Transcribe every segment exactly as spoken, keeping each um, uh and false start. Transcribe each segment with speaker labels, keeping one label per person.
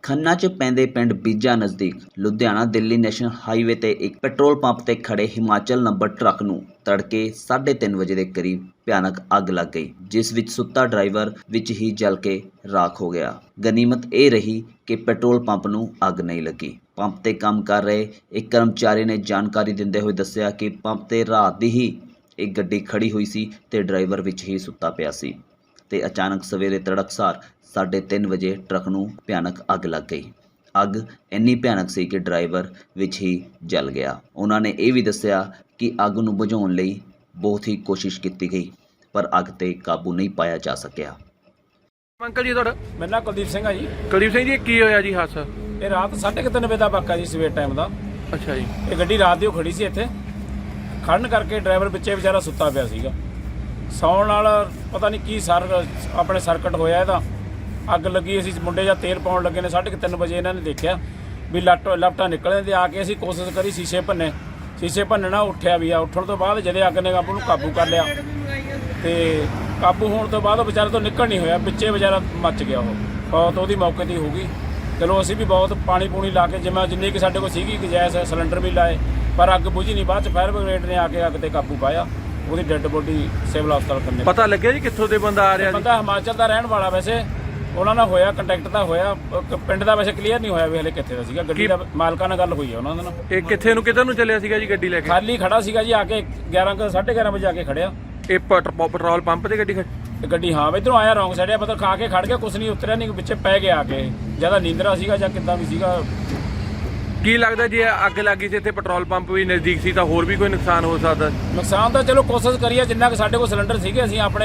Speaker 1: ਖੰਨਾ 'ਚ ਪੈਂਦੇ ਪਿੰਡ ਬੀਜਾ ਨਜ਼ਦੀਕ ਲੁਧਿਆਣਾ ਦਿੱਲੀ ਨੈਸ਼ਨਲ ਹਾਈਵੇ ਤੇ ਇੱਕ ਪੈਟਰੋਲ ਪੰਪ ਤੇ ਖੜੇ ਹਿਮਾਚਲ ਨੰਬਰ ਟਰੱਕ ਨੂੰ ਤੜਕੇ ਸਾਢੇ ਤਿੰਨ ਵਜੇ ਦੇ ਕਰੀਬ ਭਿਆਨਕ ਅੱਗ ਲੱਗ ਗਈ, ਜਿਸ ਵਿੱਚ ਸੁੱਤਾ ਡਰਾਈਵਰ ਵਿੱਚ ਹੀ ਜਲ ਕੇ ਰਾਖ ਹੋ ਗਿਆ। ਗਨੀਮਤ ਇਹ ਰਹੀ ਕਿ ਪੈਟਰੋਲ ਪੰਪ ਨੂੰ ਅੱਗ ਨਹੀਂ ਲੱਗੀ। ਪੰਪ ਤੇ ਕੰਮ ਕਰ ਰਹੇ ਇੱਕ ਕਰਮਚਾਰੀ ਨੇ ਜਾਣਕਾਰੀ ਦਿੰਦੇ ਹੋਏ ਦੱਸਿਆ ਕਿ ਪੰਪ ਤੇ ਰਾਤ ਦੀ ਹੀ ਇੱਕ ਗੱਡੀ ਖੜੀ ਹੋਈ ਸੀ ਤੇ ਡਰਾਈਵਰ ਵਿੱਚ ਹੀ ਸੁੱਤਾ ਪਿਆ ਸੀ ਤੇ ਅਚਾਨਕ ਸਵੇਰੇ ਤੜਕਸਾਰ ਸਾਢੇ ਤਿੰਨ ਵਜੇ ਟਰੱਕ ਨੂੰ ਭਿਆਨਕ ਅੱਗ ਲੱਗ ਗਈ। ਅੱਗ ਇੰਨੀ ਭਿਆਨਕ ਸੀ ਕਿ ਡਰਾਈਵਰ ਵਿੱਚ ਹੀ ਜਲ ਗਿਆ। ਉਹਨਾਂ ਨੇ ਇਹ ਵੀ ਦੱਸਿਆ ਕਿ ਅੱਗ ਨੂੰ ਬੁਝਾਉਣ ਲਈ ਬਹੁਤ ਹੀ ਕੋਸ਼ਿਸ਼ ਕੀਤੀ ਗਈ, ਪਰ ਅੱਗ ਤੇ ਕਾਬੂ ਨਹੀਂ ਪਾਇਆ ਜਾ ਸਕਿਆ।
Speaker 2: ਅੰਕਲ ਜੀ ਤੁਹਾਡਾ?
Speaker 3: ਮੇਰਾ ਨਾਮ ਕੁਲਦੀਪ ਸਿੰਘ ਆ ਜੀ।
Speaker 2: ਕੁਲਦੀਪ ਸਿੰਘ ਜੀ, ਕੀ ਹੋਇਆ ਜੀ ਹਾਦਸਾ?
Speaker 3: ਇਹ ਰਾਤ ਸਾਢੇ ਕੁ ਤਿੰਨ ਵਜੇ ਦਾ ਵਾਕਾ ਜੀ, ਸਵੇਰ ਟਾਈਮ ਦਾ।
Speaker 2: ਅੱਛਾ ਜੀ।
Speaker 3: ਇਹ ਗੱਡੀ ਰਾਤ ਦੀ ਉਹ ਖੜੀ ਸੀ ਇੱਥੇ, ਖੜਨ ਕਰਕੇ ਡਰਾਈਵਰ ਵਿੱਚੇ ਵਿਚਾਰਾ ਸੁੱਤਾ ਪਿਆ ਸੀਗਾ। ਸੌਣ ਨਾਲ ਪਤਾ ਨਹੀਂ ਕੀ ਸਰ ਆਪਣੇ ਸਰਕਟ ਹੋਇਆ ਇਹਦਾ, ਅੱਗ ਲੱਗੀ। ਅਸੀਂ ਮੁੰਡੇ ਜਾਂ ਤੇਲ ਪਾਉਣ ਲੱਗੇ ਨੇ, ਸਾਢੇ ਕੁ ਤਿੰਨ ਵਜੇ ਇਹਨਾਂ ਨੇ ਦੇਖਿਆ ਵੀ ਲੱਟ ਲਪਟਾਂ ਨਿਕਲਣ ਤੇ ਆ ਕੇ ਅਸੀਂ ਕੋਸ਼ਿਸ਼ ਕਰੀ ਸ਼ੀਸ਼ੇ ਭੰਨੇ, ਸ਼ੀਸ਼ੇ ਭੰਨਣਾ ਉੱਠਿਆ ਵੀ ਆ। ਉੱਠਣ ਤੋਂ ਬਾਅਦ ਜਦੇ ਅੱਗ ਨੇ ਕਾਬੂ ਨੂੰ ਕਾਬੂ ਕਰ ਲਿਆ ਤੇ ਕਾਬੂ ਹੋਣ ਤੋਂ ਬਾਅਦ ਉਹ ਵਿਚਾਰੇ ਤੋਂ ਨਿਕਲ ਨਹੀਂ ਹੋਇਆ, ਵਿੱਚੇ ਵਿਚਾਰਾ ਮੱਚ ਗਿਆ। ਉਹ ਬਹੁਤ ਉਹਦੀ ਮੌਕੇ 'ਤੇ ਹੋ ਗਈ। ਚਲੋ ਅਸੀਂ ਵੀ ਬਹੁਤ ਪਾਣੀ ਪੂਣੀ ਲਾ ਕੇ ਜਿਵੇਂ ਜਿੰਨੀ ਕਿ ਸਾਡੇ ਕੋਲ ਸੀਗੀ ਗੈਸ ਸਿਲੰਡਰ ਵੀ ਲਾਏ, ਪਰ ਅੱਗ ਬੁਝੀ ਨਹੀਂ। ਬਾਅਦ 'ਚ ਫਾਇਰ ਬ੍ਰਿਗੇਡ ਨੇ ਆ ਕੇ ਅੱਗ 'ਤੇ ਕਾਬੂ ਪਾਇਆ। ਉਹਦੀ ਡੈੱਡ ਬੋਡੀ ਸਿਵਲ ਹਸਪਤਾਲ ਕੰਨੇ।
Speaker 2: ਪਤਾ ਲੱਗਿਆ ਜੀ ਕਿੱਥੋਂ ਦੇ ਬੰਦਾ ਆ ਰਿਹਾ?
Speaker 3: ਬੰਦਾ ਹਿਮਾਚਲ ਦਾ ਰਹਿਣ ਵਾਲਾ, ਵੈਸੇ ਉਹਨਾਂ ਨਾਲ ਹੋਇਆ ਕੰਟੈਕਟ ਤਾਂ ਹੋਇਆ, ਪਿੰਡ ਦਾ ਵੈਸੇ ਕਲੀਅਰ ਨਹੀਂ ਹੋਇਆ ਵੀ ਹਲੇ ਕਿੱਥੇ ਦਾ ਸੀਗਾ। ਗੱਡੀ ਦਾ ਮਾਲਕਾਂ ਨਾਲ ਗੱਲ ਹੋਈ ਹੈ ਉਹਨਾਂ ਦੇ ਨਾਲ।
Speaker 2: ਇਹ ਕਿੱਥੇ ਨੂੰ ਕਿੱਧਰ ਨੂੰ ਚੱਲਿਆ ਸੀਗਾ ਜੀ ਗੱਡੀ ਲੈ ਕੇ?
Speaker 3: ਖਾਲੀ ਖੜਾ ਸੀਗਾ ਜੀ, ਆ ਕੇ ਗਿਆਰਾਂ ਸਾਢੇ ਗਿਆਰਾਂ ਵਜੇ ਆ ਕੇ ਖੜਿਆ।
Speaker 2: ਇਹ ਪੈਟਰੋਲ ਪੰਪ ਤੇ ਗੱਡੀ ਖੜੀ?
Speaker 3: ਗੱਡੀ ਹਾਂ ਇੱਧਰੋਂ ਆਇਆ, ਰੌਂਗ ਸਾਈਡ ਆ, ਪਤਾ ਖਾ ਕੇ ਖੜ ਗਿਆ, ਕੁਛ ਨਹੀਂ ਉਤਰਿਆ ਨਹੀਂ, ਪਿੱਛੇ ਪੈ ਗਿਆ ਆ ਕੇ। ਜਿਆਦਾ ਨੀਂਦਰਾ ਸੀਗਾ ਜਾਂ ਕਿੱਦਾਂ ਵੀ ਸੀਗਾ।
Speaker 2: ਕੀ ਲੱਗਦਾ ਜੇ ਅੱਗ ਲੱਗੀ ਸੀ ਇੱਥੇ ਪੈਟਰੋਲ ਪੰਪ ਵੀ ਨਜ਼ਦੀਕ ਸੀ ਤਾਂ ਹੋਰ ਵੀ ਕੋਈ ਨੁਕਸਾਨ ਹੋ ਸਕਦਾ?
Speaker 3: ਨੁਕਸਾਨ ਤਾਂ ਚਲੋ ਕੋਸ਼ਿਸ਼ ਕਰੀਏ, ਜਿੰਨਾ ਕਿ ਸਾਡੇ ਕੋਲ ਸਿਲੰਡਰ ਸੀਗੇ ਅਸੀਂ ਆਪਣੇ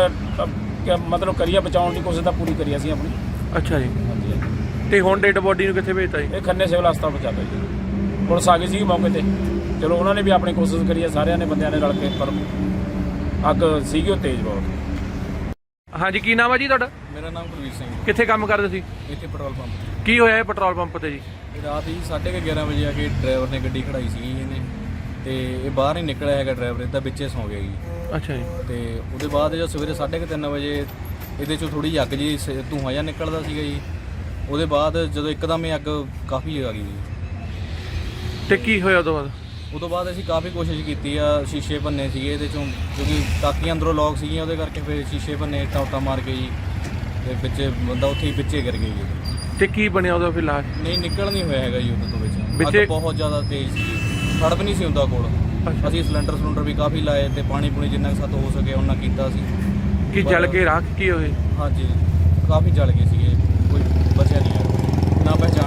Speaker 3: ਮਤਲਬ ਕਰੀਏ ਬਚਾਉਣ ਦੀ ਕੋਸ਼ਿਸ਼ ਤਾਂ ਪੂਰੀ ਕਰੀ ਅਸੀਂ ਆਪਣੀ।
Speaker 2: ਅੱਛਾ ਜੀ। ਤੇ ਹੁਣ ਡੈਡ ਬੋਡੀ ਨੂੰ ਕਿੱਥੇ ਭੇਜਤਾ ਜੀ?
Speaker 3: ਇਹ ਖੰਨੇ ਸਿਵਲ ਹਸਪਤਾਲ ਪਹੁੰਚਾ ਦਿੱਤਾ ਜੀ। ਪੁਲਿਸ ਆ ਗਈ ਸੀ ਮੌਕੇ ਤੇ। ਚਲੋ ਉਹਨਾਂ ਨੇ ਵੀ ਆਪਣੀ ਕੋਸ਼ਿਸ਼ ਕਰੀ ਹੈ, ਸਾਰਿਆਂ ਨੇ ਬੰਦਿਆਂ ਨੇ ਰਲ ਕੇ, ਪਰ ਅੱਗ ਸੀਗੀ ਉਹ ਤੇਜ਼ ਬਹੁਤ।
Speaker 2: ਹਾਂਜੀ, ਕੀ ਨਾਮ ਹੈ ਜੀ ਤੁਹਾਡਾ?
Speaker 4: ਮੇਰਾ ਨਾਮ ਕੁਲਵੀਰ ਸਿੰਘ।
Speaker 2: ਕਿੱਥੇ ਕੰਮ ਕਰਦੇ ਸੀ?
Speaker 4: ਇੱਥੇ ਪੈਟਰੋਲ ਪੰਪ।
Speaker 2: ਕੀ ਹੋਇਆ ਇਹ ਪੈਟਰੋਲ ਪੰਪ ਤੇ ਜੀ?
Speaker 4: ਰਾਤ ਹੀ ਸਾਢੇ ਕੁ ਗਿਆਰਾਂ ਵਜੇ ਆ ਕੇ ਡਰਾਈਵਰ ਨੇ ਗੱਡੀ ਖੜਾਈ ਸੀਗੀ ਇਹਨੇ, ਤੇ ਇਹ ਬਾਹਰ ਨਹੀਂ ਨਿਕਲਿਆ ਹੈਗਾ ਡਰਾਈਵਰ, ਇਹਦਾ ਵਿੱਚੇ ਸੌਂ ਗਿਆ ਜੀ।
Speaker 2: ਅੱਛਾ ਜੀ।
Speaker 4: ਤੇ ਉਹਦੇ ਬਾਅਦ ਜਦੋਂ ਸਵੇਰੇ ਸਾਢੇ ਕੁ ਤਿੰਨ ਵਜੇ ਇਹਦੇ 'ਚੋਂ ਥੋੜ੍ਹੀ ਜਿਹੀ ਅੱਗ ਜੀ ਧੂੰਆਂ ਜਿਹਾ ਨਿਕਲਦਾ ਸੀਗਾ ਜੀ। ਉਹਦੇ ਬਾਅਦ ਜਦੋਂ ਇੱਕਦਮ ਇਹ ਅੱਗ ਕਾਫੀ ਆ ਗਈ ਜੀ।
Speaker 2: ਤੇ ਕੀ ਹੋਇਆ ਉਦੋਂ ਬਾਅਦ?
Speaker 4: ਉਦੋਂ ਬਾਅਦ ਅਸੀਂ ਕਾਫੀ ਕੋਸ਼ਿਸ਼ ਕੀਤੀ ਆ, ਸ਼ੀਸ਼ੇ ਭੰਨੇ ਸੀਗੇ ਇਹਦੇ 'ਚੋਂ, ਕਿਉਂਕਿ ਟਾਕੀਆਂ ਅੰਦਰੋਂ ਲੌਕ ਸੀਗੀਆਂ, ਉਹਦੇ ਕਰਕੇ ਫਿਰ ਸ਼ੀਸ਼ੇ ਭੰਨੇ, ਟਾਉਟਾ ਮਾਰ ਕੇ ਜੀ, ਤੇ ਵਿੱਚੇ ਬੰਦਾ ਉੱਥੇ ਹੀ ਵਿੱਚੇ ਗਿਰ ਗਿਆ ਜੀ।
Speaker 2: ਤੇ ਕੀ ਬਣਿਆ ਉਹਦਾ ਫਿਰ ਲਾਸ਼?
Speaker 4: ਨਹੀਂ, ਨਿਕਲ ਨਹੀਂ ਹੋਇਆ ਹੈਗਾ ਜੀ ਉਹਦੇ ਤੋਂ ਵਿੱਚ।
Speaker 2: ਵਿੱਚੇ
Speaker 4: ਅੱਗ ਬਹੁਤ ਜ਼ਿਆਦਾ ਤੇਜ਼ ਸੀ, ਸੜਪ ਨਹੀਂ ਸੀ ਹੁੰਦਾ ਕੋਲ। ਅਸੀਂ ਸਿਲੰਡਰ ਸਿਲੰਡਰ ਵੀ ਕਾਫੀ ਲਾਏ ਤੇ ਪਾਣੀ ਪੂਣੀ ਜਿੰਨਾ ਕੁ ਸਾਤੋਂ ਹੋ ਸਕੇ ਉਹਨਾਂ ਕੀਤਾ ਸੀ।
Speaker 2: ਕੀ ਜਲ ਕੇ ਰਾਖ ਕੀ ਹੋਏ?
Speaker 4: ਹਾਂਜੀ, ਕਾਫੀ ਜਲ ਗਏ ਸੀਗੇ, ਕੋਈ ਬਚਿਆ ਨਹੀਂ ਹੈ, ਨਾ ਪਹਿਚਾਣ